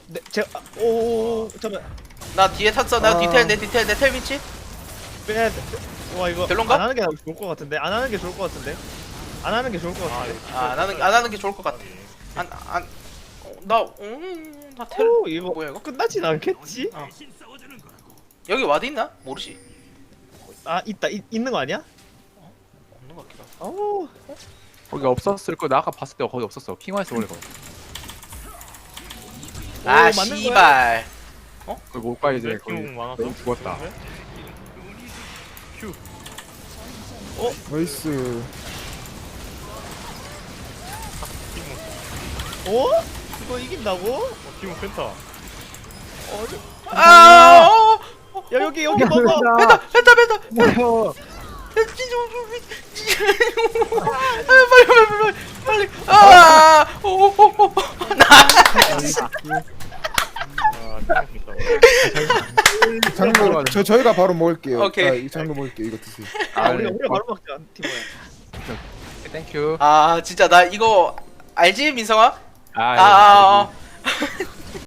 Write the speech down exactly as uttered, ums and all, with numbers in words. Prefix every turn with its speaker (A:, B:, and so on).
A: 네, 제가 오 잠깐
B: 나 뒤에 탔어. 나
C: 아.
B: 디테일 내 디테일 내 텔 위치.
A: 빼야 돼. 와 이거
B: 별론가?
A: 안 하는 게 좋을 것 같은데 안 하는 게 좋을 것 같은데 안 하는 게 좋을 것 같은데.
B: 아, 안 하는 안 하는 게 좋을 것 같아. 안안나음나텔
A: 오 이거
B: 뭐야 이거?
A: 끝나진 않겠지?
B: 어. 여기 와드 있나? 모르지.
A: 아 있다 있, 있는 거 아니야?
B: 없는 것 같기도 하고.
A: 오
D: 거기 없었을 거. 나 아까 봤을 때 거기 없었어. 킹화에서 원래 거.
B: 아
A: 맞는 거야?
B: 씨발.
D: 거기 못 가 이제.
E: 네,
D: 거기
E: 큐 많았어?
D: 너무 죽었다.
E: 큐.
C: 나이스.
A: 오? 이거 이긴다고?
E: 어, 팀은 펜타.
A: 어,
B: 아. 어, 어,
A: 야 여기 여기 먹어.
B: 펜타 펜타 펜타.
C: 뭐야?
B: 아, 빨리 빨리 빨리 빨리. 아. 오오오. 나.
E: 아, 팀은 펜타.
C: 장로 저 저희가 바로 먹을게요.
B: 오케이.
C: 아, 이 장로 먹을게요. 이거 드세요.
A: 아 우리가 우리가 바로 먹자 티모야.
D: 땡큐.
B: 아 진짜 나 이거 알지 민성아?
D: 아,
B: 아, 아, 아.